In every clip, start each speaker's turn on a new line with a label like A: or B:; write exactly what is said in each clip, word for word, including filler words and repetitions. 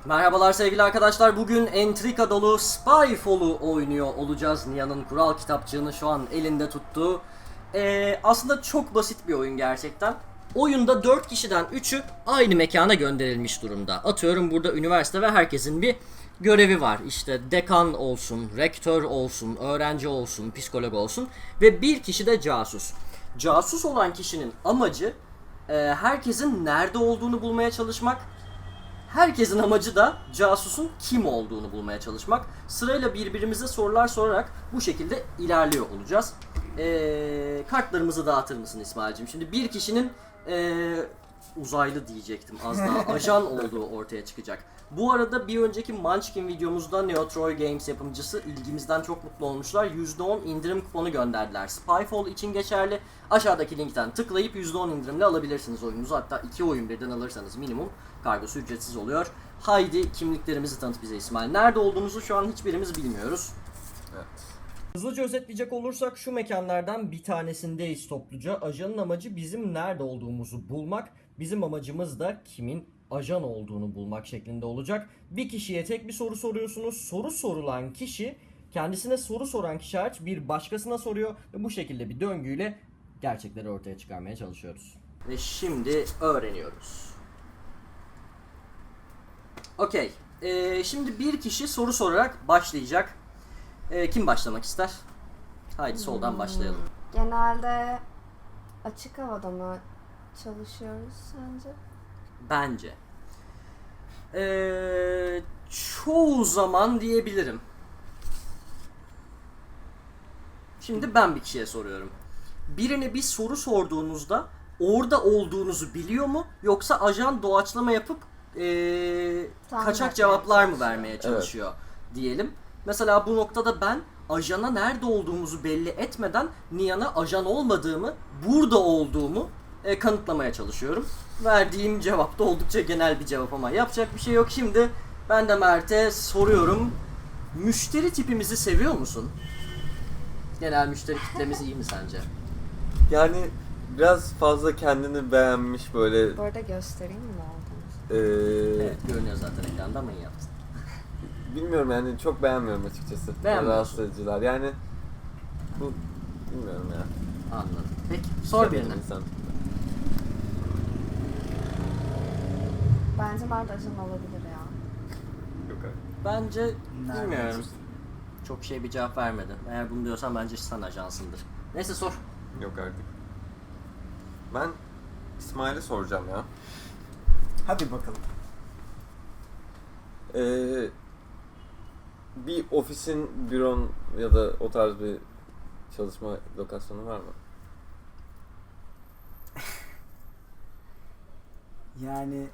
A: Merhabalar sevgili arkadaşlar. Bugün entrika dolu Spyfall'u oynuyor olacağız. Nihan'ın kural kitapçığını şu an elinde tuttuğu. Ee, aslında çok basit bir oyun gerçekten. Oyunda dört kişiden üçü aynı mekana gönderilmiş durumda. Atıyorum burada üniversite ve herkesin bir görevi var. İşte dekan olsun, rektör olsun, öğrenci olsun, psikolog olsun ve bir kişi de casus. Casus olan kişinin amacı e, herkesin nerede olduğunu bulmaya çalışmak. Herkesin amacı da casusun kim olduğunu bulmaya çalışmak. Sırayla birbirimize sorular sorarak bu şekilde ilerliyor olacağız. Ee, kartlarımızı dağıtır mısın İsmail'cim? Şimdi bir kişinin ee, uzaylı diyecektim az daha ajan olduğu ortaya çıkacak. Bu arada bir önceki Munchkin videomuzda Neo Troy Games yapımcısı ilgimizden çok mutlu olmuşlar. yüzde on indirim kuponu gönderdiler. Spyfall için geçerli. Aşağıdaki linkten tıklayıp yüzde on indirimle alabilirsiniz oyununuzu. Hatta iki oyun birden alırsanız minimum kargosu ücretsiz oluyor. Haydi kimliklerimizi tanıt bize İsmail. Nerede olduğumuzu şu an hiçbirimiz bilmiyoruz.
B: Evet.
A: Hızlıca özetleyecek olursak şu mekanlardan bir tanesindeyiz topluca. Ajanın amacı bizim nerede olduğumuzu bulmak. Bizim amacımız da kimin ajan olduğunu bulmak şeklinde olacak. Bir kişiye tek bir soru soruyorsunuz. Soru sorulan kişi kendisine soru soran kişi hariç bir başkasına soruyor. Ve bu şekilde bir döngüyle gerçekleri ortaya çıkarmaya çalışıyoruz. Ve şimdi öğreniyoruz. Okey. Ee, şimdi bir kişi soru sorarak başlayacak. Ee, kim başlamak ister? Haydi soldan
C: Hmm.
A: başlayalım.
C: Genelde açık havada mı çalışıyoruz sence?
A: Bence. Ee, çoğu zaman diyebilirim. Şimdi ben bir kişiye soruyorum. Birine bir soru sorduğunuzda orada olduğunuzu biliyor mu? Yoksa ajan doğaçlama yapıp ee,
C: Tahmin
A: kaçak
C: etmeye
A: cevaplar mı
C: çalışıyor.
A: vermeye çalışıyor diyelim. Mesela bu noktada ben ajana nerede olduğumuzu belli etmeden Nihan'a ajan olmadığımı, burada olduğumu e, kanıtlamaya çalışıyorum. Verdiğim cevap da oldukça genel bir cevap ama yapacak bir şey yok. Şimdi ben de Mert'e soruyorum. Müşteri tipimizi seviyor musun? Genel müşteri kitlemiz iyi mi sence?
B: Yani biraz fazla kendini beğenmiş böyle
C: Bu arada göstereyim mi ne olduğunu?
B: eee
A: Evet, görünüyor zaten ekranda ama iyi yaptın.
B: bilmiyorum yani çok beğenmiyorum açıkçası.
A: Beğenmiyorsun.
B: Rahatsız ediciler yani bu bilmiyorum ya.
A: Anladım. Peki sor
B: Sevdiğim
A: birine.
B: insan.
C: Bence Mert ajan olabilir ya.
B: Yok abi.
A: Bence
D: Nereden
A: bilmiyorum.
D: çıktı?
A: Çok şey bir cevap vermedi. Eğer bunu diyorsan bence sen ajansındır. Neyse sor.
B: Yok artık. Ben İsmail'e soracağım ya.
D: Hadi bakalım.
B: Eee bir ofisin, büron ya da o tarz bir çalışma lokasyonu var mı?
D: Yani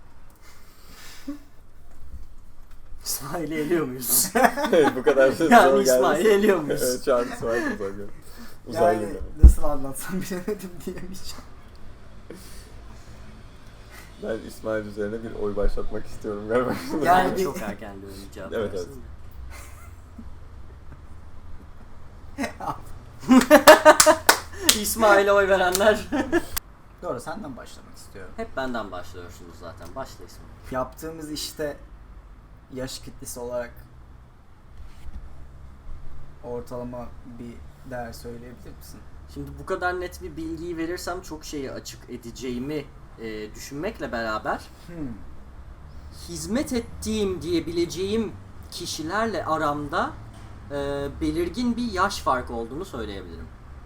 A: İsmail'i eliyor muyuz?
B: Evet bu kadar şey
A: Yani
B: soru
A: İsmail'i
B: gelmesi-
A: eliyor muyuz?
B: Evet şu an İsmail'i uzaylı. Uzaylı
D: yani
B: demek.
D: nasıl anlatsam bilemedim diyemeyeceğim.
B: Ben İsmail üzerine bir oy başlatmak istiyorum galiba.
D: Yani
A: Yani
D: bir-
A: çok erken diyorum cevap
B: Evet,
A: versin. İsmail'e oy verenler
D: Doğru, senden başlamak istiyorum.
A: hep benden başlıyorsunuz zaten. Başla İsmail.
D: Yaptığımız işte yaş kitlesi olarak ortalama bir değer söyleyebilir misin?
A: Şimdi bu kadar net bir bilgiyi verirsem çok şeyi açık edeceğimi e, düşünmekle beraber
D: Hmm.
A: hizmet ettiğim diyebileceğim kişilerle aramda e, belirgin bir yaş farkı olduğunu söyleyebilirim.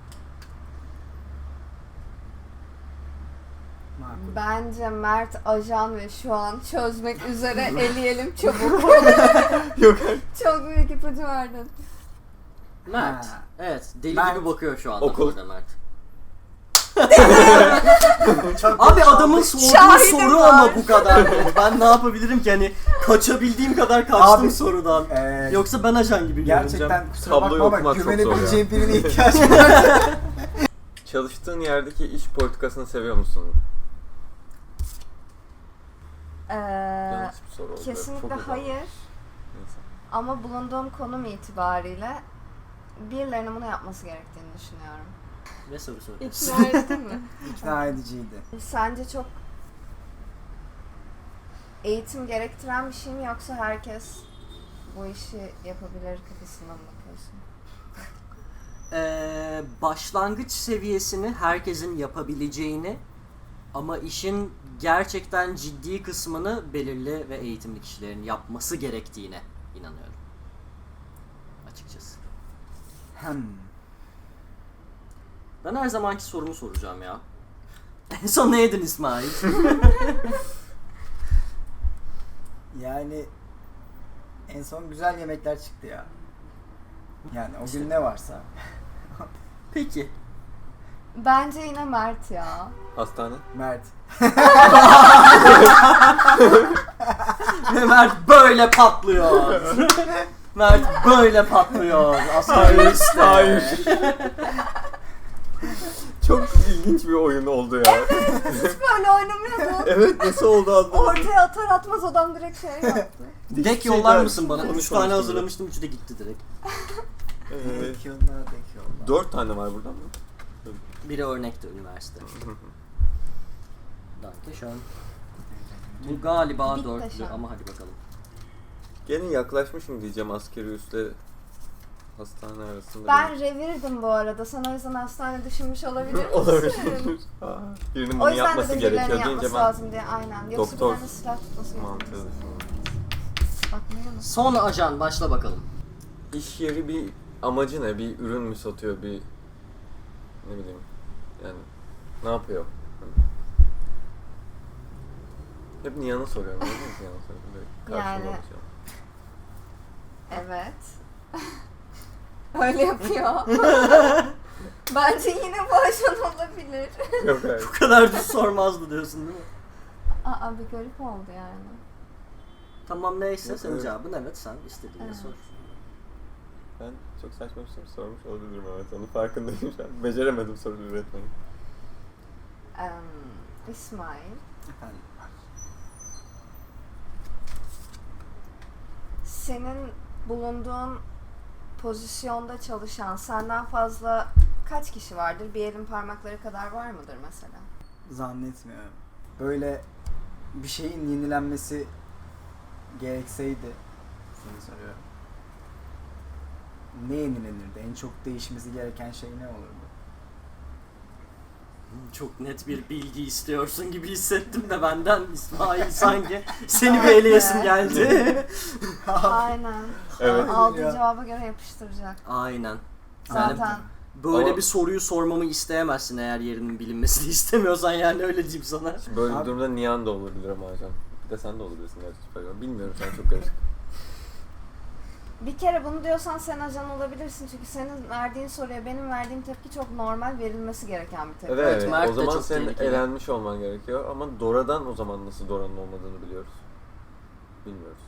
D: Makul.
C: Bence Mert ajan ve şu an çözmek üzere eleyelim çabuk.
B: Yok
C: Çok büyük ipucu verdin.
A: Mert.
D: Ha.
A: Evet. Deli
D: Mert.
A: gibi bakıyor şu anda
B: Okul.
A: burada Mert.
D: Çok
A: Abi
D: geç
A: adamın
D: kaldık.
A: sorduğu
C: Şahidim
A: soru
C: var.
A: ama bu kadar. Ben ne yapabilirim ki hani kaçabildiğim kadar kaçtım
D: Abi,
A: sorudan.
D: Ee,
A: Yoksa ben ajan gibi görüneceğim.
D: gerçekten kusura
B: Tabloyu
D: bakma ama
B: okumak çok zor
D: güvenebileceğim birine ihtiyacım var.
B: Çalıştığın yerdeki iş politikasını seviyor musun?
C: Ee,
B: Yanlış bir soru oldu.
C: kesinlikle
B: Çok uzun.
C: hayır.
B: Neyse.
C: Ama bulunduğum konum itibariyle birilerinin bunu yapması gerektiğini düşünüyorum.
A: Ne soru soruyorsun?
C: İkna edildin mi?
D: İkna ediciydi.
C: Sence çok eğitim gerektiren bir şey mi yoksa herkes bu işi yapabilir kafasından mı bakıyorsun?
A: Ee, başlangıç seviyesini herkesin yapabileceğini ama işin gerçekten ciddi kısmını belirli ve eğitimli kişilerin yapması gerektiğine inanıyorum. Açıkçası.
D: Hem.
A: Ben her zamanki sorumu soracağım ya. En son ne yedin İsmail?
D: Yani en son güzel yemekler çıktı ya. Yani o
A: İşte.
D: gün ne varsa.
A: Peki.
C: Bence yine Mert ya.
B: Hastane.
D: Mert.
A: Ve Mert böyle patlıyor. Mert böyle patlıyor. Aslında işte.
B: Hayır. Çok ilginç bir oyun oldu ya.
C: Hiç böyle oynamıyordun.
B: Evet, nasıl oldu anlamadım.
C: Ortaya atar atmaz adam direkt şey yaptı.
A: Dek
B: Şeyler
A: yollar mısın bana? Üç
B: konuşmamıştım
A: tane
B: ya.
A: hazırlamıştım, üçü de gitti direkt.
B: Ee,
D: Dek yolla, dek yolla.
B: dört tane var buradan mı?
A: Biri örnekti üniversite. Danke schön. Bu galiba
C: Bitti
A: dörtlü
C: şu an.
A: ama hadi bakalım.
B: Gene yaklaşmışım diyeceğim askeri üstle hastane arasında.
C: Ben revirdim bu arada. Sen o yüzden hastane düşünmüş olabilir misin?
B: Olabilir. Aa, Birinin
C: O
B: bunu
C: yüzden
B: yapması
C: de birilerinin
B: gerekiyor deyince
C: yapması
B: ben
C: lazım diye aynen. Yoksa
B: doktor
C: bir tane silah tutması
B: mantığı
C: gerekiyor.
B: düşünüyorum.
C: Bakmıyor musun?
A: Son ajan başla bakalım.
B: İş yeri bir amacı ne? Bir ürün mü satıyor? Bir ne bileyim yani ne yapıyor? Hep Nihan'a soruyorum. Ne diyorsun Nihan'a soruyorum? Böyle karşımda
C: Yani-
B: oturuyor.
C: Evet. Öyle yapıyor. Bence yine bu ajan olabilir.
B: Yok hayır.
A: Bu kadar düz sormazdı diyorsun değil mi?
C: Aa bir garip oldu yani.
A: Tamam neyse
B: Yok,
A: senin
B: evet.
A: cevabın evet, sen istediğini
C: Evet.
A: sor.
B: Ben çok saçma bir soru sormuş olabilirim, evet, onun farkındayım şu an. Beceremedim soru üretmeyi.
C: Um, İsmail,
D: Efendim.
C: senin bulunduğun pozisyonda çalışan senden fazla kaç kişi vardır? Bir elin parmakları kadar var mıdır mesela?
D: Zannetmiyorum. Böyle bir şeyin yenilenmesi gerekseydi seni soruyorum. Ne yenilenirdi? En çok değişmesi gereken şey ne olurdu?
A: Çok net bir bilgi istiyorsun gibi hissettim de benden İsmail sanki seni bir eleyesim geldi.
C: Aynen.
B: Evet.
C: Aldığı
D: Ya.
C: cevaba göre yapıştıracak.
A: Aynen.
C: Zaten
A: Böyle
B: Ama-
A: bir soruyu sormamı isteyemezsin eğer yerinin bilinmesini istemiyorsan, yani öyle diyeyim sana.
B: Şimdi böyle bir
D: Abi-
B: durumda Nihan da olabilir ama hocam. Bir de sen de olabilirsin gerçekten. Bilmiyorum, sen çok karışık.
C: bir kere bunu diyorsan sen ajan olabilirsin çünkü senin verdiğin soruya benim verdiğim tepki çok normal, verilmesi gereken bir tepki.
B: Evet,
A: Evet, Mert
B: o
A: de
B: zaman
A: çok
B: senin
A: tehlikeli.
B: elenmiş olman gerekiyor ama Dora'dan o zaman nasıl Dora'nın olmadığını biliyoruz. Bilmiyoruz.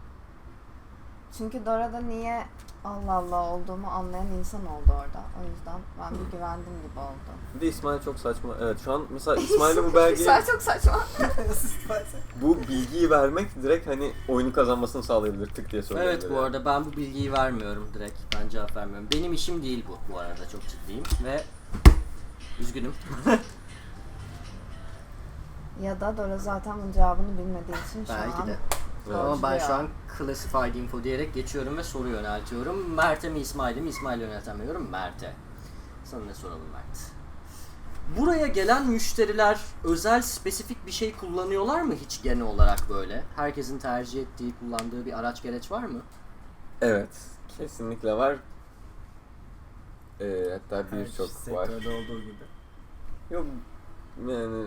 C: Çünkü Dora'da niye Allah Allah olduğumu anlayan insan oldu orada. O yüzden ben bir güvendim gibi oldu.
B: Bir de İsmail çok saçma. Evet, şu an mesela İsmail'e bu belgeyi,
C: İsmail çok saçma.
B: bu bilgiyi vermek direkt hani oyunu kazanmasını sağlayabilir, tık diye söyleyebilir.
A: Evet, bu
B: yani.
A: arada ben bu bilgiyi vermiyorum direkt. Ben cevap vermiyorum. Benim işim değil bu bu arada, çok ciddiyim ve üzgünüm.
C: Ya da Dora zaten bunun cevabını bilmediği için şu
A: Belki
C: an
A: de.
B: Evet.
A: Ama ben
C: ya.
A: şu an classified info diyerek geçiyorum ve soru yöneltiyorum. Mert'e mi İsmail'e mi? İsmail'e yöneltemiyorum, Mert'e. Sana ne soralım Mert? Buraya gelen müşteriler özel spesifik bir şey kullanıyorlar mı hiç genel olarak böyle? Herkesin tercih ettiği, kullandığı bir araç gereç var mı?
B: Evet, kesinlikle var. Ee, hatta
D: Her
B: birçok var.
D: sektörde olduğu gibi.
B: Yok, yani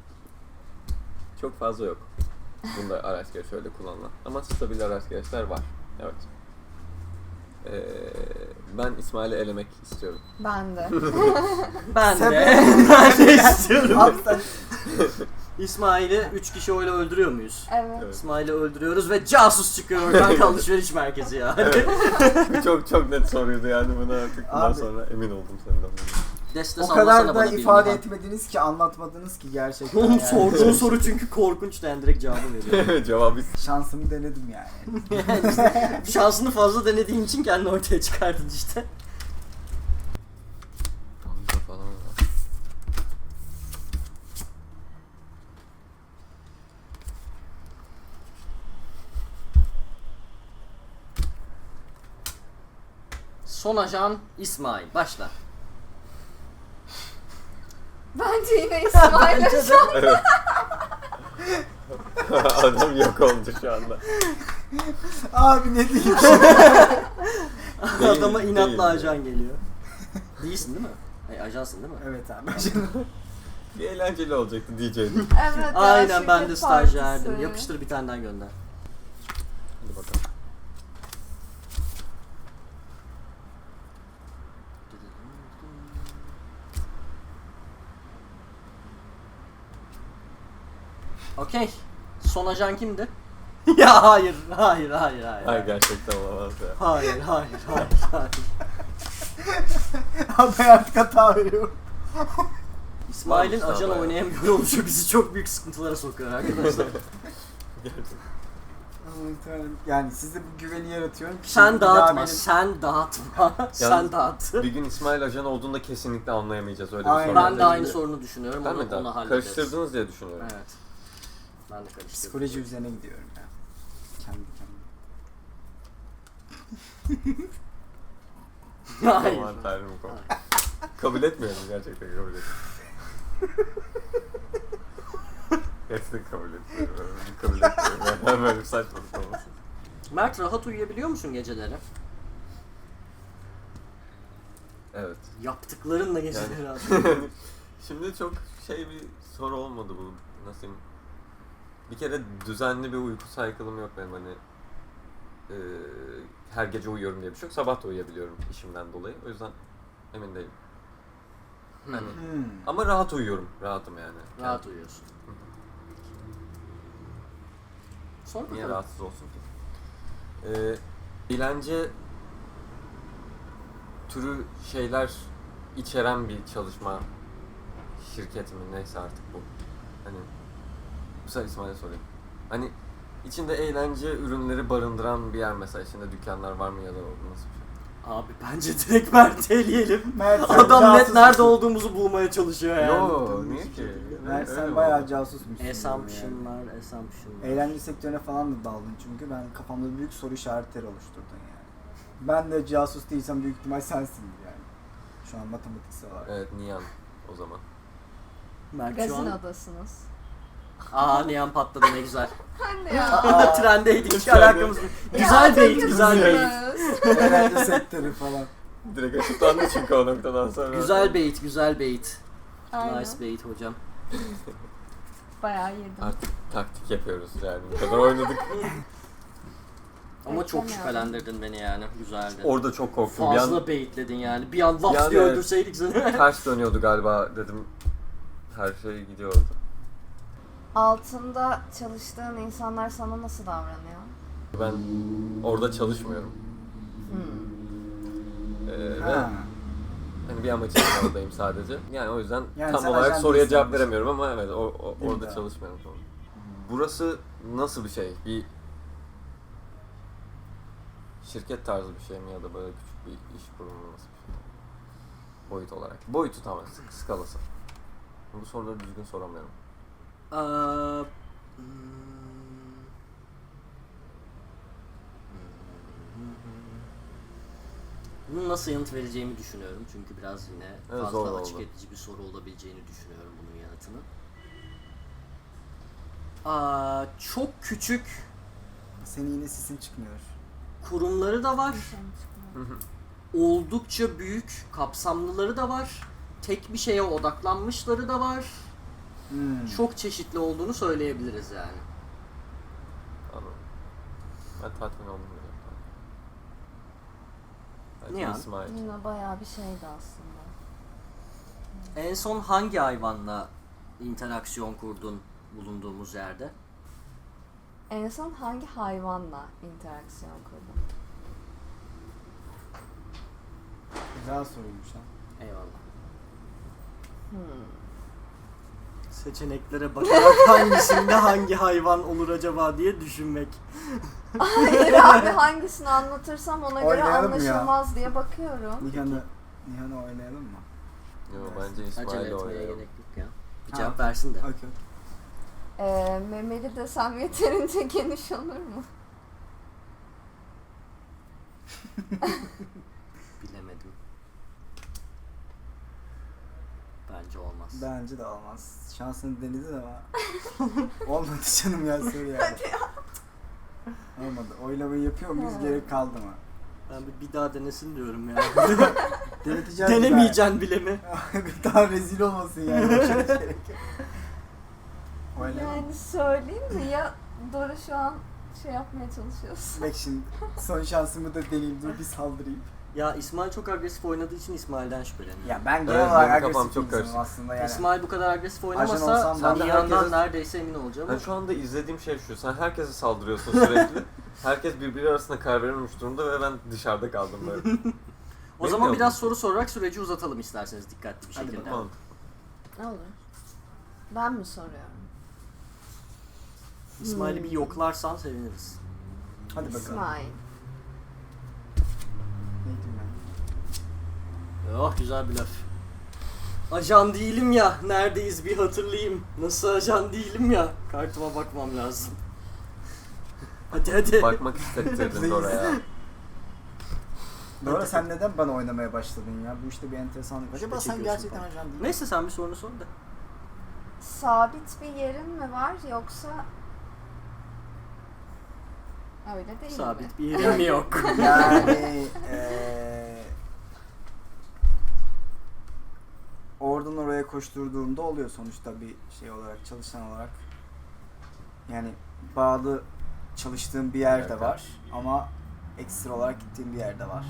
B: çok fazla yok. Bunda araç gereç öyle kullanılan. Ama stabil araç gereçler var. Evet. Ee, ben İsmail'i elemek istiyorum.
C: ben de.
A: Ben
D: Sen-
A: de. ben de istiyorum.
D: Abi sen
A: İsmail'i üç kişi öyle öldürüyor muyuz?
C: Evet.
B: Evet.
A: İsmail'i öldürüyoruz ve casus çıkıyor oradan, alışveriş merkezi ya.
B: Evet. Bu çok çok net soruydu yani, buna artık bundan
D: Abi.
B: sonra emin oldum senden.
A: Deste
D: o
A: sallasana
D: kadar da
A: bana bir
D: ifade
A: Nihan.
D: etmediniz ki, anlatmadınız ki gerçekten.
A: Oğlum
D: yani.
A: sorduğun soru çünkü korkunç, yani direkt cevabı veriyorum.
B: Cevabı
D: Şansımı denedim yani.
A: Şansını fazla denediğin için kendini ortaya çıkardın işte.
B: Banka falan var.
A: Son ajan İsmail. Başla.
C: Bence yine İsmail
A: Bence de.
C: Ajan.
B: Evet. Adam yok oldu şu anda.
D: Abi ne diyeyim?
B: Değil,
A: Adama inatla
B: değil.
A: ajan geliyor. Değilsin değil mi? Ay, ajansın değil mi?
D: Evet abi.
B: Bir eğlenceli olacaktı diyecektim.
C: Evet, ya,
A: Aynen ben de
C: şirket
A: stajyerdim.
C: partisi.
A: Yapıştır bir tane daha gönder.
B: Hadi bakalım.
A: Okey. Son ajan kimdi? Ya hayır, hayır, hayır, hayır.
B: Ay gerçekten olamaz ya.
A: Hayır, hayır, hayır, hayır.
D: Abi ben artık hata veriyorum.
A: İsmail'in
B: Varmış
A: ajan
B: daha
A: oynayamıyor oluşu bizi çok büyük sıkıntılara sokuyor arkadaşlar.
B: Gerçekten.
D: Yani size bu güveni yaratıyorum ki
A: Sen
D: şimdi bir daha
A: dağıtma,
D: benim-
A: sen dağıtma, sen dağıt.
B: Bir gün İsmail ajan olduğunda kesinlikle anlayamayacağız öyle bir
D: Aynen.
B: sorun.
A: Ben de
B: olacak
A: aynı
B: diye.
A: sorunu düşünüyorum,
B: Ben
A: onu,
B: mi de?
A: onu hallederiz.
B: Karıştırdınız diye düşünüyorum.
A: Evet. Ben de karıştırdım.
D: Psikoloji üzerine gidiyorum ya. Kendi kendime.
A: Hayır.
B: Aman tanrım kabul. Kabul etmiyorum gerçekten kabul etmiyorum. Gerçekten kabul etmiyorum. Kabul etmiyorum. Ben böyle bir saçmalık olmasın.
A: Mert, rahat uyuyabiliyor musun geceleri?
B: Evet.
A: Yaptıklarınla geceleri
B: Yani-
A: rahat.
B: Şimdi çok şey bir soru olmadı bu. Nasıl diyeyim? Bir kere düzenli bir uyku cycle'ım yok benim hani. Eee her gece uyuyorum diye bir şey yok. Sabah da uyuyabiliyorum işimden dolayı. O yüzden emin değilim.
A: Hmm.
B: Hani-
D: Hmm.
B: Ama rahat uyuyorum. Rahatım yani.
A: Rahat uyuyorsun. Sor
B: Niye
A: bakalım.
B: rahatsız olsun ki? Ee, eğlence türü şeyler içeren bir çalışma şirket mi neyse artık bu. Hani bu sefer İsmail'e sorayım. Hani içinde eğlence ürünleri barındıran bir yer mesela içinde dükkanlar var mı ya da nasıl bir şey?
A: Abi bence direkt Mert'i eleyelim.
D: Mert, sen
A: Adam net
D: casusmusun.
A: nerede olduğumuzu bulmaya çalışıyor yani.
B: Yo niye ki?
D: Mert
B: Öyle
D: sen
B: mi
D: bayağı
B: oldu?
D: casusmuşsun. yani.
A: Assumption'lar, assumption'lar.
D: Eğlence sektörüne falan da daldın çünkü ben kafamda büyük soru işaretleri oluşturdun yani. Ben de casus değilsem büyük ihtimal sensindir yani. Şu an matematiksel olarak.
B: Evet Nihan o zaman.
A: Mert şu
C: Gazin
A: an...
C: odasınız.
A: Aa, Nihan patladı ne güzel.
C: Ben de ya.
A: Aa, trendeydik hiç
B: Hiç trende-
A: alakamız yok. Güzel bait, güzel bait.
C: bait.
D: Eğlence sektörü falan.
B: Direkt açıklandı çünkü o noktadan sonra.
A: Güzel bait, güzel bait.
C: Aynen.
A: Nice bait hocam.
C: Bayağı yedim.
B: Artık taktik yapıyoruz yani. Bu kadar oynadık.
A: Ama çok
C: Beklemiyordum.
A: şüphelendirdin beni yani. Güzeldi.
B: Orada çok korktum. Bir an
A: Fazla baitledin yani. Bir an laps
B: Yani
A: diye
B: evet.
A: öldürseydik seni.
B: ters dönüyordu galiba dedim. Her şey gidiyordu.
C: Altında çalıştığın insanlar sana nasıl davranıyor?
B: Ben orada çalışmıyorum.
C: Hmm.
B: Ee, ve
D: Ha.
B: hani bir amaç için oradayım sadece. Yani o yüzden
D: Yani
B: tam
D: sen
B: olarak
D: ajan
B: soruya
D: değilsin
B: cevap
D: ama.
B: veremiyorum ama evet o, o-
D: Değil mi
B: orada
D: daha?
B: çalışmıyorum tamam. Burası nasıl bir şey? Bir şirket tarzı bir şey mi ya da böyle küçük bir iş kurumu nasıl bir şey? Boyut olarak. Boyutu tamam, sk- skalası. Bu soruları düzgün soramıyorum.
A: Aa, hmm. Bunu nasıl yanıt vereceğimi düşünüyorum çünkü biraz yine
B: Evet,
A: fazla
B: zor
A: açık
B: oldu.
A: edici bir soru olabileceğini düşünüyorum bunun yanıtını. Aa, çok küçük
D: Senin yine sesin çıkmıyor.
A: kurumları da var.
C: Bir şey mi çıkmıyor?
A: Oldukça büyük, kapsamlıları da var. Tek bir şeye odaklanmışları da var.
D: Hmm.
A: Çok çeşitli olduğunu söyleyebiliriz yani.
B: Anladım. Ben tatmin oldum. biraz. Belki
A: Nihan?
B: İsmail.
C: Yine bayağı bir şeydi aslında.
A: En son hangi hayvanla interaksiyon kurdun bulunduğumuz yerde?
C: En son hangi hayvanla interaksiyon kurdun?
D: Güzel soruymuş ha.
A: Eyvallah.
C: Hmm.
A: Seçeneklere bakarak hangisinde hangi hayvan olur acaba diye düşünmek.
C: Hayır abi hangisini anlatırsam ona göre
D: Oynayalım mı ya?
C: anlaşılmaz diye bakıyorum.
D: Nihan'ı Nihan'ı oynayalım mı?
B: Yo, bence
A: Acele
B: İsmail'le
A: etmeye
B: oynayalım.
A: gerek yok ya. Bir
D: Ha.
A: cevap versin de.
D: Okey.
C: Ee, memeli desem yeterince geniş olur mu?
D: Bence de olmaz. Şansını denedin ama olmadı canım ya soru yani.
C: Hadi ya.
D: Olmadı. Oylamayı yapıyor muyuz?
C: Ha.
D: Gerek kaldı mı?
A: Ben bir, bir daha denesin diyorum ya.
D: Deneteceğiz.
A: Denemeyeceksin bile mi?
D: Bir daha rezil olmasın yani. Başka bir gerek yok. Oylama.
C: Yani söyleyeyim mi ya, Dora şu an şey yapmaya çalışıyorsun.
D: Bak şimdi son şansımı da deneyeyim. Dur bir saldırayım.
A: Ya İsmail çok agresif oynadığı için İsmail'den şüpheleniyorum.
D: Ya ben genel
B: Evet,
D: olarak
B: benim kafam
D: agresif
B: çok
D: bir insanım
B: karışık.
D: aslında yani.
A: İsmail bu kadar agresif
D: Ajan
A: oynamasa
D: olsam
A: sen
B: ben de
A: yandan
B: herkese-
A: neredeyse emin olacağım.
B: Ben
A: ama-
B: şu anda izlediğim şey şu. Sen herkese saldırıyorsun sürekli. Herkes birbiri arasında karar verememiş durumda ve ben dışarıda kaldım böyle.
A: O
B: Benim
A: zaman
B: de
A: biraz
B: oldu.
A: soru sorarak süreci uzatalım isterseniz dikkatli bir
D: Hadi
A: şekilde.
B: Tamam.
C: Ne olur? Ben mi soruyorum?
A: İsmail'i bir yoklarsan seviniriz.
D: Hadi bakalım.
C: İsmail.
D: Neydim ben?
A: Oh güzel bir laf. Ajan değilim ya, neredeyiz bir hatırlayayım. Nasıl ajan değilim ya, kartıma bakmam lazım. Hadi hadi.
B: Bakmak istettirdin oraya.
D: Dora sen neden bana oynamaya başladın ya? Bu işte bir enteresanlık. Acaba
A: Şüphe
D: sen
A: çekiyorsun
D: gerçekten
A: falan.
D: ajan değil
A: Neyse sen bir sorunu sor da.
C: Sabit bir yerin mi var yoksa öyle değil mi?
A: Sabit bir yerim mi yok?
D: Yani eee oradan oraya koşturduğumda oluyor sonuçta bir şey olarak, çalışan olarak. Yani bağlı çalıştığım bir yer de var ama ekstra olarak gittiğim bir yer de var.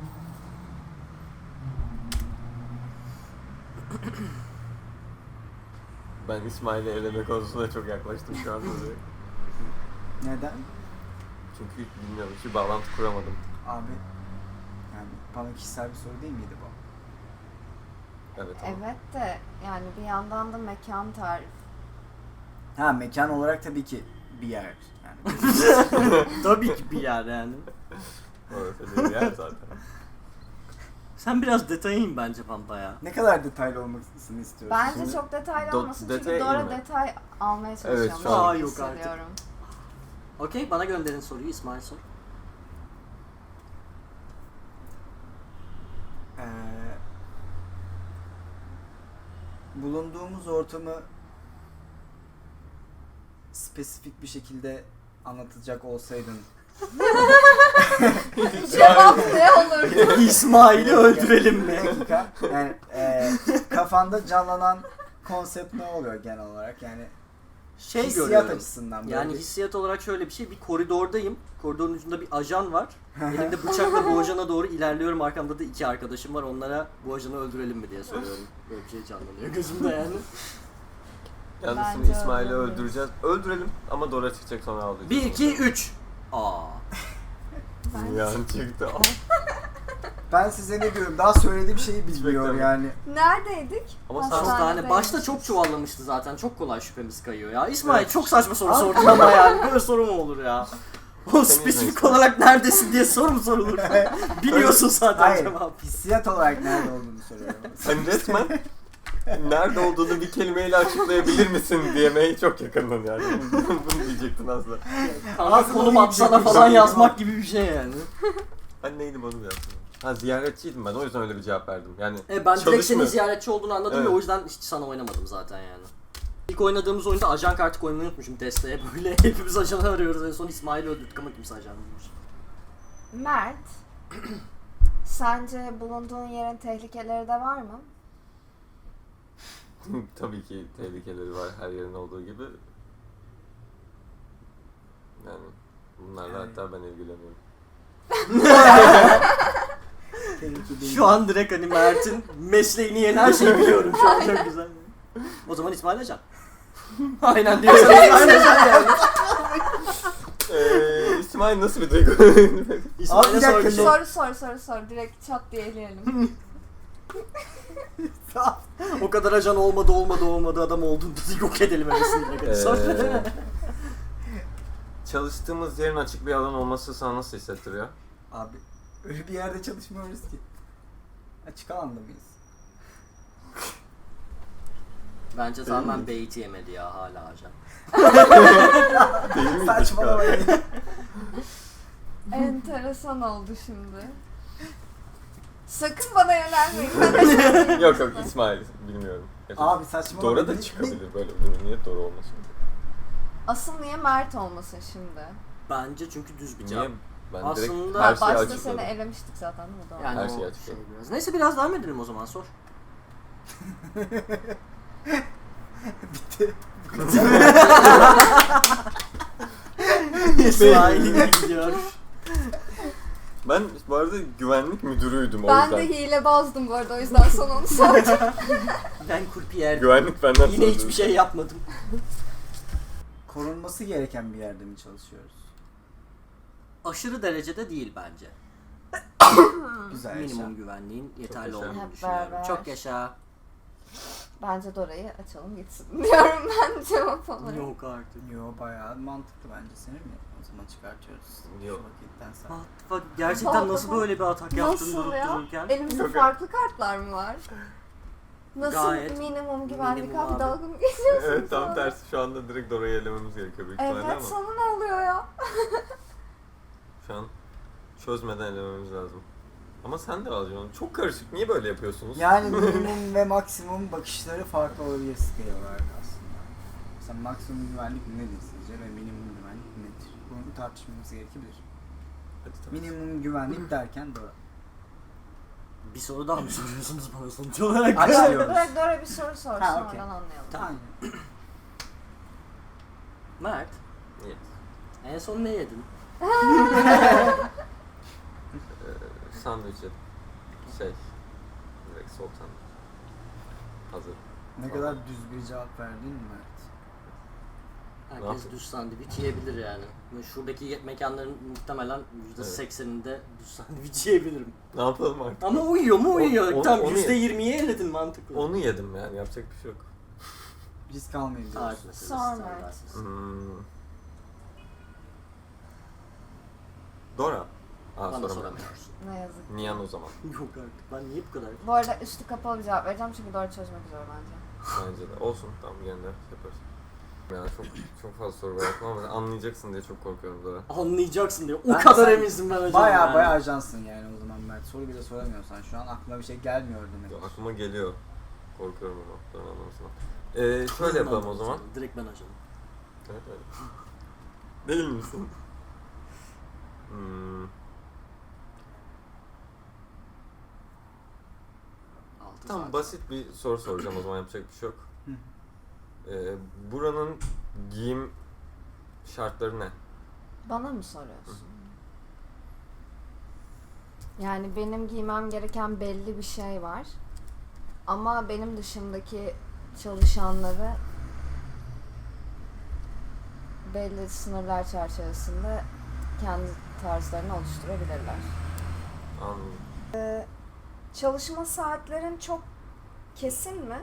B: Ben İsmail'i eleme konusunda çok yaklaştım şu anda.
D: Neden?
B: Çünkü bilmiyorum, hiç bağlantı kuramadım.
D: Abi yani bana kişisel bir soru değil miydi bu?
B: Evet ama.
C: Evet de yani bir yandan da mekan tarif.
D: Ha, mekan olarak tabii ki bir yer. Yani
A: Tabii ki bir yer yani.
B: Orası bir yer zaten.
A: Sen biraz detaya in bence Pampa ya.
D: ne kadar detaylı olmasını istiyorsun?
C: Bence
B: Şimdi
C: çok detaylı
B: do-
C: olmasın çünkü
B: detaya
C: Dora
B: inme.
C: detay almaya çalışıyor.
B: Evet, şu an-
A: Aa, yok artık.
C: hissediyorum.
A: Okey bana gönderin soruyu, İsmail sor.
D: Ee, bulunduğumuz ortamı spesifik bir şekilde anlatacak olsaydın
C: Cevap ne olur?
A: İsmail'i öldürelim
D: bir
A: mi?
D: dakika. Yani e, kafanda canlanan konsept ne oluyor genel olarak? Yani
A: Şey
D: hissiyat
A: görüyorum.
D: açısından böyle
A: Yani
D: bir-
A: hissiyat olarak şöyle bir şey, bir koridordayım. Koridorun ucunda bir ajan var. Elimde bıçakla bu ajana doğru ilerliyorum. Arkamda da iki arkadaşım var. Onlara bu ajanı öldürelim mi diye soruyorum. Böyle bir şey canlanıyor gözümde yani.
B: Yalnız
C: Bence
B: şimdi İsmail'i
C: öldürelim.
B: öldüreceğiz. Öldürelim ama Dora çıkacak, sonra ağlayacağız.
A: bir, iki, üç. Aa.
C: Ben-
B: Yani çıktı.
D: Ben size ne diyorum? Daha söylediğim şeyi bilmiyor
B: beklemedim.
D: yani.
C: Neredeydik?
B: Ama sen-
A: Hastane.
C: Hastanedeydik.
A: Başta çok çuvallamıştı zaten. Çok kolay şüphemiz kayıyor ya. İsmail
B: Evet.
A: çok saçma soru
D: Abi-
A: sordun ama yani. Böyle soru mu olur ya? O
B: Senin
A: spesifik
B: yüzünden.
A: olarak neredesin diye soru mu sorulur? Biliyorsun zaten
D: Hayır,
A: cevabı.
D: hissiyat olarak nerede olduğunu soruyorum.
B: Sen resmen nerede olduğunu bir kelimeyle açıklayabilir misin diyemeye çok yakındın yani. Bunu diyecektin aslında.
A: Kanka
D: Aslında
A: konum
D: iyi bir
A: atsana
D: şey
A: falan
D: değil
A: yazmak
D: ama-
A: gibi bir şey yani.
B: Ben neydim onu yaptım. Ha, ziyaretçiydim ben, o yüzden öyle bir cevap verdim. Yani
A: E, ben direkt senin
B: çalışmıyor.
A: ziyaretçi olduğunu anladım
B: Evet.
A: ve o yüzden hiç sana oynamadım zaten yani. İlk oynadığımız oyunda ajan kartı koymayı unutmuşum desteğe böyle. Hepimiz ajanı arıyoruz. En son İsmail'i öldürdük ama kimse ajan bulmuş.
C: Mert, sence bulunduğun yerin tehlikeleri de var mı?
B: Tabii ki tehlikeleri var her yerin olduğu gibi. Yani bunlarla
D: Yani-
B: hatta ben ilgileniyorum.
D: Tehlike değil.
A: Şu an direkt hani Mert'in mesleğini yeni her şeyi biliyorum şu an çok güzel. O zaman İsmail ajan. Aynen diyorsan İsmail ajan yani.
B: Eee İsmail nasıl bir duygu?
D: Abi
A: İsmail'e
D: bir
A: sor
D: dakika,
A: bir şey.
C: Soru sor soru sor. Direkt çat diye eleyelim.
A: O kadar ajan olmadı olmadı olmadı adam olduğunda da yok edelim hevesini direkt. Hadi sor.
B: Eee, çalıştığımız yerin açık bir alan olması sana nasıl hissettiriyor?
D: Abi öyle bir yerde çalışmıyoruz ki. Açık alanda mıyız?
A: Bence tamamen beyti yemedi ya hala ajan.
B: Değil mi?
D: Saçmalamayın.
C: Enteresan oldu şimdi. Sakın bana yönelmeyin. Ben aşağıdayım.
B: Yok yok İsmail bilmiyorum. Gerçekten.
D: Abi saçmalama.
B: Dora da
D: Ne-
B: çıkabilir böyle bir durum. Niye Dora olmasın?
C: Asıl niye Mert olmasın şimdi?
A: Bence çünkü düz bir cevap.
B: Niye? Ben
A: Aslında-
B: direkt
C: Ha,
B: her şeyi
C: başta
B: açıkladım.
C: seni elemiştik zaten değil mi? Doğru.
A: Yani
B: Her
A: o
B: şeyi
A: şey
B: açıkladım.
A: biraz. Neyse biraz devam edelim o zaman, sor.
D: Bitti.
A: İsmail gidiyor.
B: Ben bu arada güvenlik müdürüydüm o
C: Ben
B: yüzden.
C: de hilebazdım bu arada, o yüzden sana onu sordum.
A: Ben kurpiyerdim.
B: Güvenlik benden
A: Yine
B: sordu.
A: hiçbir şey yapmadım.
D: Korunması gereken bir yerde mi çalışıyoruz?
A: Aşırı derecede değil bence.
D: Güzel
A: Minimum
D: yaşa.
A: güvenliğin yeterli
B: yaşa.
A: olduğunu
C: Hep
A: düşünüyorum.
C: beraber.
A: Çok yaşa.
C: Bence Dora'yı açalım gitsin diyorum ben cevap olarak.
A: Yok artık.
D: Yo bayağı mantıklı bence, seni mi? O zaman çıkartıyoruz.
B: Yok.
D: Şu vakitten
A: What
D: sonra.
A: the fuck? Gerçekten nasıl böyle bir atak yaptın
C: Nasıl
A: durup
C: ya?
A: dururken?
C: Elimizde
B: Yok.
C: farklı kartlar mı var? Nasıl
A: Gayet
C: minimum güvenlik
A: minimum
C: abi,
A: abi.
C: dalga mı geçiyorsunuz?
B: Evet tam
C: bana?
B: tersi şu anda direkt Dora'yı elememiz gerekiyor büyük ihtimalle
C: Evet,
B: ama
C: sana ne oluyor ya?
B: şu an çözmeden elememiz lazım. Ama sen de alacaksın. Çok karışık. Niye böyle yapıyorsunuz?
D: Yani minimum ve maksimum bakışları farklı olabilir scale olarak aslında. Mesela maksimum güvenlik nedir sizce ve minimum güvenlik nedir? Bunu tartışmamız gerekebilir.
B: Hadi tabii.
D: Minimum güvenlik derken doğru.
A: bir soru daha mı soruyorsunuz bana sonuç olarak?
D: Aç
C: Dora,
D: diyoruz.
C: Dora, Dora bir soru sorsun,
D: Ha, okey.
C: oradan anlayalım.
A: Tamam. Mert,
B: Yes.
A: en son ne yedin?
B: Ee, sandviç yedim. Şey, direkt soğuk sandviç. Hazır.
D: Ne kadar düz bir cevap verdin mi Mert?
A: Herkes
B: yapayım?
A: düz sandviç yiyebilir yani. Ve şuradaki ye- mekanların muhtemelen yüzde sekseninde düz sandviç yiyebilirim.
B: Ne yapalım artık?
A: Ama uyuyor mu uyuyor.
B: O- o-
A: Tam
B: onu
A: yüzde
B: ye-
A: yirmiye eledin mantıklı.
B: Onu yedim yani yapacak bir şey yok.
D: Risk almayın diyoruz.
A: Tarih meselesi,
C: Sonra.
A: standartsız.
B: Hmm. Dora. Aa,
A: Bana
B: soramıyorum.
A: soramıyorsun.
C: Ne yazık ki.
B: Niyan o zaman.
A: Yok artık. Ben niye bu kadar?
C: Bu arada üstü kapalı bir cevap vereceğim çünkü Dora çözmek üzere bence.
B: Bence de. Olsun. Tamam gene de yaparız. Ya çok çok fazla soru bıraktım ama anlayacaksın diye çok korkuyorum Dora.
A: Anlayacaksın diyor. O
D: Ben-
A: kadar
D: sen
A: eminsin ben hocam.
D: Baya
A: yani.
D: baya ajansın yani o zaman Mert. Soru bile soramıyorsan şu an aklına bir şey gelmiyor demek.
B: Ya, aklıma geliyor. Korkuyorum ama Dora anlamasına. Ee, şöyle yapalım o zaman.
A: Direkt ben ajanım.
B: Evet öyle. Değil misin? Hmm.
A: Altı
B: Tamam
A: saat.
B: basit bir soru soracağım o zaman yapacak bir şey yok.
D: Hı.
B: Ee, buranın giyim şartları ne?
C: Bana mı soruyorsun? Yani benim giymem gereken belli bir şey var. Ama benim dışımdaki çalışanları belli sınırlar çerçevesinde kendi tarzlarını oluşturabilirler.
B: Anladım.
C: Çalışma saatlerin çok kesin mi?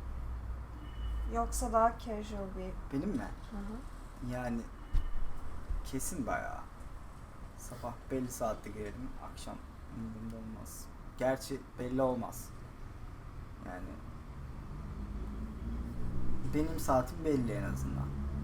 C: Yoksa daha casual bir...
D: Benim mi?
C: Hı hı.
D: Yani kesin bayağı. Sabah belli saatte girelim, akşam umurumda olmaz. Gerçi belli olmaz. Yani benim saatim belli en azından.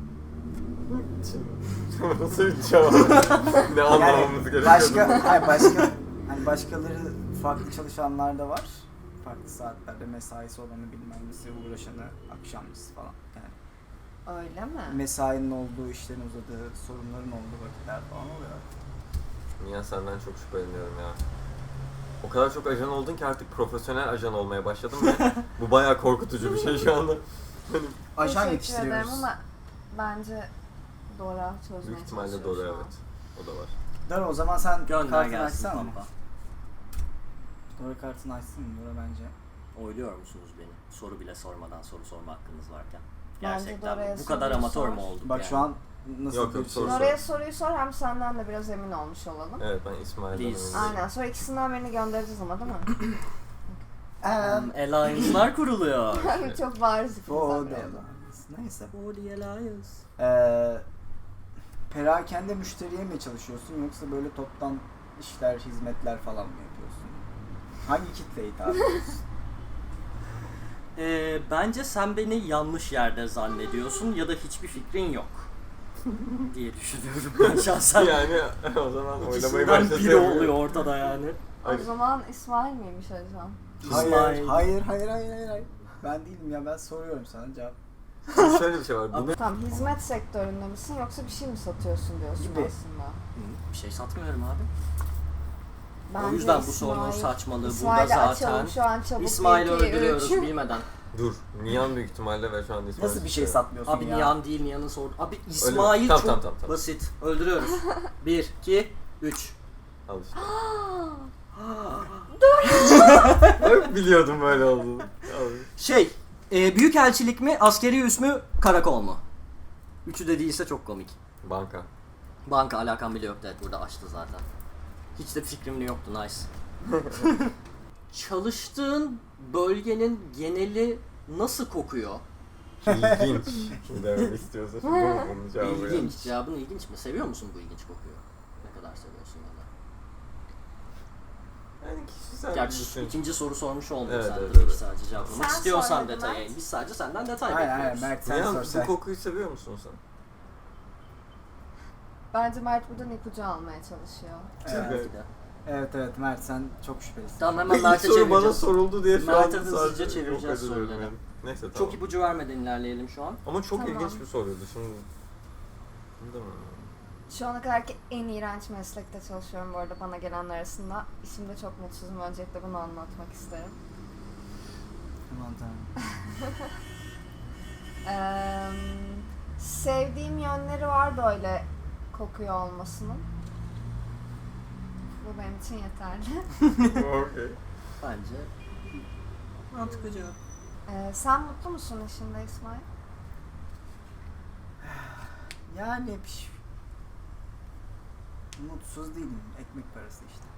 B: Nasıl bir cevap? Ne anlamamız gerekiyor?
D: Başka, hayır başka, hani başkaları farklı çalışanlar da var. Farklı saatlerde mesaisi olanı bilmem nesi, uğraşanı akşamcısı falan. Yani
C: Öyle mi?
D: mesainin olduğu, işlerin uzadığı, sorunların olduğu vakitler falan oluyor.
B: Niye senden çok şüpheleniyorum ya. O kadar çok ajan oldun ki artık profesyonel ajan olmaya başladım ve bu bayağı korkutucu bir şey şu anda. Hani
D: Ajan
C: Teşekkür ederim
D: yetiştiriyoruz.
C: ama bence Dora çözmeye
B: büyük ihtimalle
C: çalışıyor
B: doğru
C: şu an.
B: evet. O da var.
D: Dora o zaman sen
A: Gönder
D: kartını
A: gelsin
D: açsana mı?
A: pampa.
D: Dora kartını açsın mı Dora bence?
A: Oyluyor musunuz beni? Soru bile sormadan soru sorma hakkınız varken.
C: Bence
A: Gerçekten
C: Dora'ya
A: bu kadar
C: soruyu
A: amatör
C: sor.
A: mü olduk
D: Bak
A: yani?
D: şu an nasıl
B: Yok,
D: bir
B: yok,
D: şey?
B: soru sor.
C: Dora'ya soruyu sor, hem senden de biraz emin olmuş olalım.
B: Evet ben İsmail'den
A: Please.
B: eminim.
C: Aynen, sonra ikisinden birini göndereceğiz ama değil mi?
D: Um,
A: Hmm, Alliance'lar kuruluyor.
C: Çok bariz
D: for
C: ikimizden
D: the
C: biri.
D: Alliance. Neyse.
A: For the Alliance.
D: Ee, perakende müşteriye mi çalışıyorsun yoksa böyle toptan işler, hizmetler falan mı yapıyorsun? Hangi kitleye hitap ediyorsun?
A: Ee, bence sen beni yanlış yerde zannediyorsun ya da hiçbir fikrin yok. diye düşünüyorum ben şahsen.
B: Yani o zaman oylamayı
A: İkisinden
B: başlatıyorum.
A: biri oluyor ortada yani.
C: O
B: Hayır.
C: zaman İsmail miymiş Ajan?
D: Hayır,
A: İsmail.
D: hayır, hayır, hayır, hayır, hayır. Ben değilim ya, ben soruyorum sana cevap.
B: Şöyle bir şey var. Bunu
C: Tamam, hizmet sektöründe misin yoksa bir şey mi satıyorsun diyorsun
D: Gibi.
C: aslında.
A: Hı, bir şey satmıyorum abi.
C: Bence
A: o yüzden bu
C: İsmail-
A: sorunun saçmalığı
C: İsmail'i
A: burada zaten.
C: açalım şu an çabuk.
A: İsmail'i
C: bir, iki,
A: öldürüyoruz
C: üç.
A: bilmeden.
B: dur. Nihan büyük ihtimalle ve şu anda İsmail.
D: Nasıl bir şey
B: çıkıyor.
D: satmıyorsun
A: Abi
D: ya?
A: Nihan değil, Nihan'ın sordu. Abi İsmail
B: Tamam,
A: çok
B: tamam, tamam, tamam.
A: basit. Öldürüyoruz. bir, iki, üç.
B: Al işte. Hep biliyordum böyle olduğunu. Al.
A: Şey, e, büyükelçilik mi, askeri üs mü, karakol mu? Üçü de değilse çok komik.
B: Banka.
A: Banka alakam bile yoktu, evet burada açtı zaten. Hiç de fikrim de yoktu, nice. Çalıştığın bölgenin geneli nasıl kokuyor?
B: İlginç. Demek istiyorsa şimdi bu bunun cevabı yani.
A: İlginç. Cevabın ilginç mi? Seviyor musun bu ilginç kokuyu? Ne kadar seviyorsun ya da?
B: Yani kişisel bir
A: Gerçi
B: düşün.
A: ikinci soru sormuş olmuyor
B: Evet,
A: sen
B: evet,
A: tabii
B: evet.
A: ki sadece cevaplamak
C: Sen
A: istiyorsan
C: sor hadi
A: detaya
C: Mert.
A: in. Biz sadece senden detay
D: Aynen, aynen,
A: bekliyoruz.
D: Berk sen
B: Nihan
D: sor
B: bu
D: sen.
B: kokuyu seviyor musun sen?
C: Bence Mert buradan ipucu almaya çalışıyor.
D: Evet.
A: Belki de.
D: Evet, evet, Mert sen çok şüphelisin.
A: Tamam hemen
B: İlk
A: Mert'e
B: soru bana
A: çevireceğiz.
B: soruldu diye şu
A: Mert'e
B: an
A: hızlıca
B: sadece
A: çevireceğiz
B: yok ediyorum
A: soruları.
B: yani. Neyse tamam.
A: Çok ipucu vermeden ilerleyelim şu an.
B: Ama çok
C: Tamam.
B: ilginç bir soruydu şimdi. Değil mi?
C: Şu ana kadarki en iğrenç meslekte çalışıyorum bu arada bana gelenler arasında. İşimde çok mutsuzum. Öncelikle bunu anlatmak isterim.
D: Aman tanrım.
C: Ee, sevdiğim yönleri var böyle kokuyor olmasının. Bu benim için yeterli.
B: Okey.
A: Bence mantıklı cevap.
C: Ee, sen mutlu musun işinde İsmail?
D: Yani piş. Mutsuz değilim. Ekmek parası işte.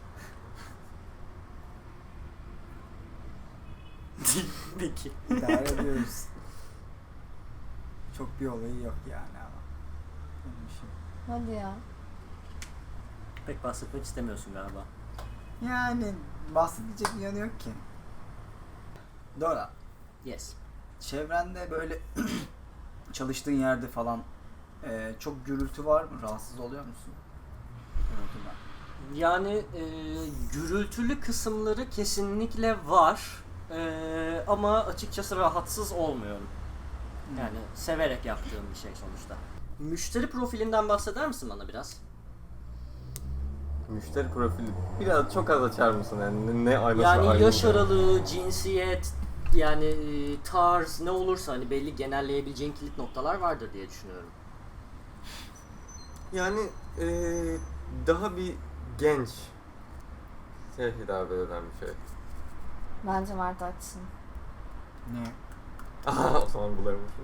A: Peki.
D: İdare ediyoruz. Çok bir olayı yok yani ama. Benim işim.
C: Hadi ya.
A: Pek bahsetmek istemiyorsun galiba.
D: Yani bahsedecek bir yanı yok ki. Dora,
A: Yes.
D: çevrende böyle çalıştığın yerde falan e, çok gürültü var mı? Rahatsız oluyor musun? Gürültüden.
A: Yani e, gürültülü kısımları kesinlikle var. E, ama açıkçası rahatsız olmuyorum. Yani severek yaptığım bir şey sonuçta. Müşteri profilinden bahseder misin bana biraz?
B: Müşteri profili biraz çok az açar mısın yani ne, ne aynası
A: Yani
B: aynı
A: yaş
B: oluyor?
A: aralığı, cinsiyet, yani e, tarz ne olursa hani belli genelleyebileceğin kilit noktalar vardır diye düşünüyorum.
B: Yani eee daha bir genç şey hitap eden bir şey.
C: Bence Mert açsın.
D: Niye?
B: Aha o zaman bulaymışım.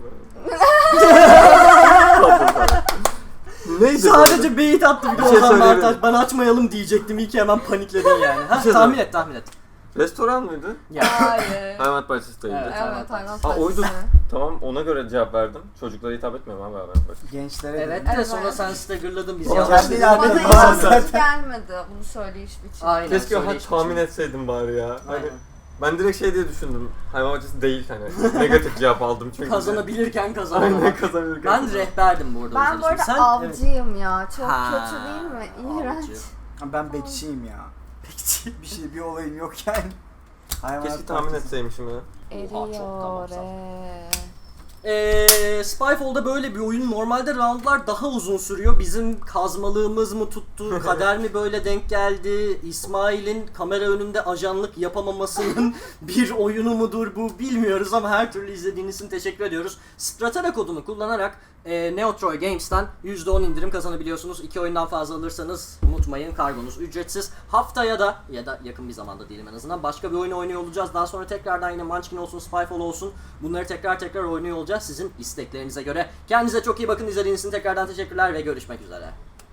B: Neydi
A: Sadece beyit attı bir de
B: Bir şey
A: Ozan
B: söyleyebilirim.
A: Bartaş. Ben açmayalım diyecektim. İyi ki hemen panikledin yani. Ha,
B: şey
A: tahmin et tahmin et.
B: Restoran mıydı?
A: Ya.
C: Hayır.
B: Hayvanat bahçesi değildi.
A: Evet.
C: Evet, hayvan
B: Ha oydu.
C: bahçesi.
B: Tamam ona göre cevap verdim. Çocuklara hitap etmiyorum abi hayvanat bahçesi.
D: Gençlere
A: Evet
D: dedim.
A: de
C: Evet.
A: sonra sen staggerladın bizi.
D: O
A: yanlış
D: kendi
A: dedin.
D: ilerledi.
C: Bana
D: Dedim
C: hiç
D: zaten.
C: mantıklı gelmedi bunu söyleyiş biçimi.
A: Aynen.
B: Keşke ha
A: söyleyiş
B: tahmin
A: biçimi.
B: etseydim bari ya. Hani
A: Aynen.
B: ben direkt şey diye düşündüm. Hayvan bahçesi değil hani. Negatif cevap aldım çünkü.
A: Kazanabilirken
B: Aynen
A: kazanamamak.
B: kazanabilirken.
A: Ben rehberdim bu arada.
C: Ben
A: o
C: bu
A: yüzden.
C: arada
A: Sen-
C: avcıyım ya. Çok
A: Ha,
C: kötü değil mi? İğrenç.
A: avcı.
D: Ben bekçiyim ya.
A: Bekçi.
D: Bir şey, bir olayım yok yani. Hayvanat
B: Keşke tahmin
D: bahçesi.
B: etseymişim ya.
A: Oha, çok tamam,
C: Eriyor.
A: sağ ol.
C: re.
A: Eee Spyfall'da böyle bir oyun. Normalde roundlar daha uzun sürüyor. Bizim kazmalığımız mı tuttu, kader mi böyle denk geldi, İsmail'in kamera önünde ajanlık yapamamasının bir oyunu mudur bu bilmiyoruz ama her türlü izlediğiniz için teşekkür ediyoruz. Stratera kodunu kullanarak e, Neotroy Games'ten yüzde on indirim kazanabiliyorsunuz. İki oyundan fazla alırsanız unutmayın kargonuz ücretsiz. Haftaya da ya da yakın bir zamanda diyelim en azından başka bir oyun oynuyor olacağız. Daha sonra tekrardan yine Munchkin olsun, Spyfall olsun. Bunları tekrar tekrar oynuyor olacağız sizin isteklerinize göre. Kendinize çok iyi bakın. İzlediğiniz için tekrardan teşekkürler ve görüşmek üzere.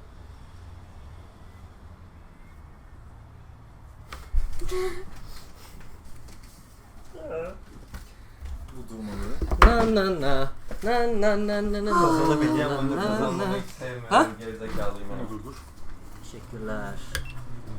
E: Bu durmaları.
A: Na na na na na na na na
E: Kazanabileceğim
A: na
E: oyunu
A: na na.
E: kazanmayı sevmiyorum.
A: Ha?
E: Gerizekalıyım.
A: Teşekkürler.